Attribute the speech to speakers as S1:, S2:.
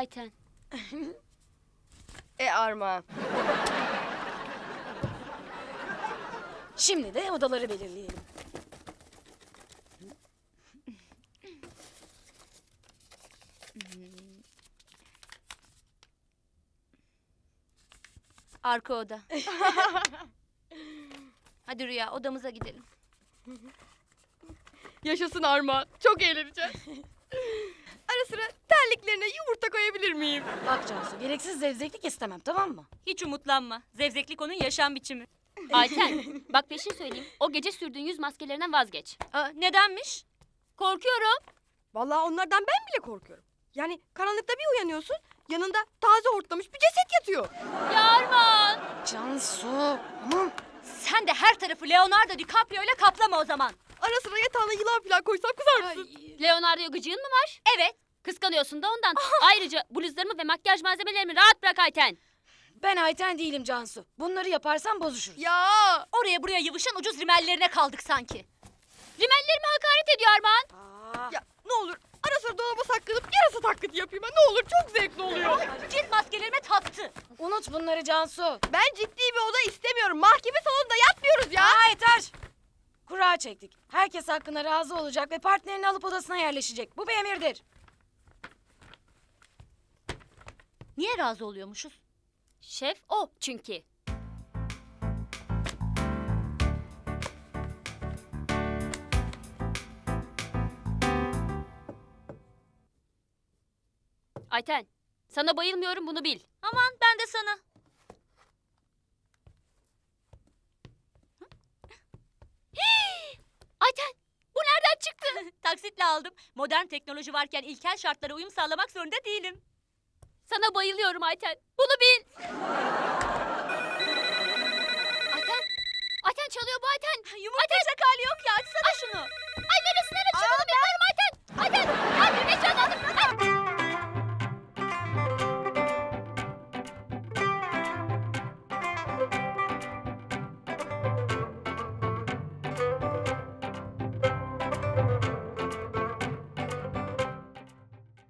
S1: Ayten.
S2: Armağan.
S3: Şimdi de odaları belirleyelim.
S1: Arka oda. Hadi Rüya, odamıza gidelim.
S2: Yaşasın Armağan. Çok eğleneceğiz. Ara sıra terliklerine yumurta koyabilir miyim?
S3: Bak Cansu, gereksiz zevzeklik istemem, tamam mı?
S4: Hiç umutlanma. Zevzeklik onun yaşam biçimi.
S1: Ayten, bak peşin söyleyeyim. O gece sürdüğün yüz maskelerinden vazgeç.
S4: Nedenmiş?
S1: Korkuyorum.
S2: Vallahi onlardan ben bile korkuyorum. Yani karanlıkta bir uyanıyorsun, yanında taze hortlamış bir ceset yatıyor.
S1: Ya Armağan.
S3: Cansu, aman.
S4: Sen de her tarafı Leonardo DiCaprio ile kaplama o zaman.
S2: Ara sıra yatağına yılan falan koysam kızar mısın?
S1: Leonardo'ya gıcığın mı var?
S4: Evet.
S1: Kıskanıyorsun da ondan. Ayrıca bluzlarımı ve makyaj malzemelerimi rahat bırak Ayten.
S3: Ben Ayten değilim Cansu. Bunları yaparsan bozuşuruz.
S2: Ya
S4: Oraya buraya yıvışan ucuz rimellerine kaldık sanki.
S1: Rimellerime hakaret ediyor Armağan.
S2: ya ne olur ara sıra dolaba saklanıp yarasa taklidi yapayım. Ne olur çok zevkli oluyor.
S4: Cilt maskelerime taktı.
S3: Unut bunları Cansu.
S2: Ben ciddi bir oda istemiyorum. Mahkeme salonunda yatmıyoruz ya.
S3: Aa, yeter. Kura çektik. Herkes hakkında razı olacak ve partnerini alıp odasına yerleşecek. Bu bir emirdir.
S4: Niye razı oluyormuşuz?
S1: Şef o çünkü. Ayten, sana bayılmıyorum bunu bil.
S4: Aman ben de sana.
S1: Ayten, bu nereden çıktı?
S4: Taksitle aldım. Modern teknoloji varken ilkel şartlara uyum sağlamak zorunda değilim.
S1: Sana bayılıyorum Ayten. Bunu bil. Ayten, Ayten çalıyor bu Ayten.
S4: Yumurtacak hali yok ya. Açsana şunu.
S1: Ay neresine açıyor bunu bilmiyorum Ayten. Ayten, ya bir mekan aldım.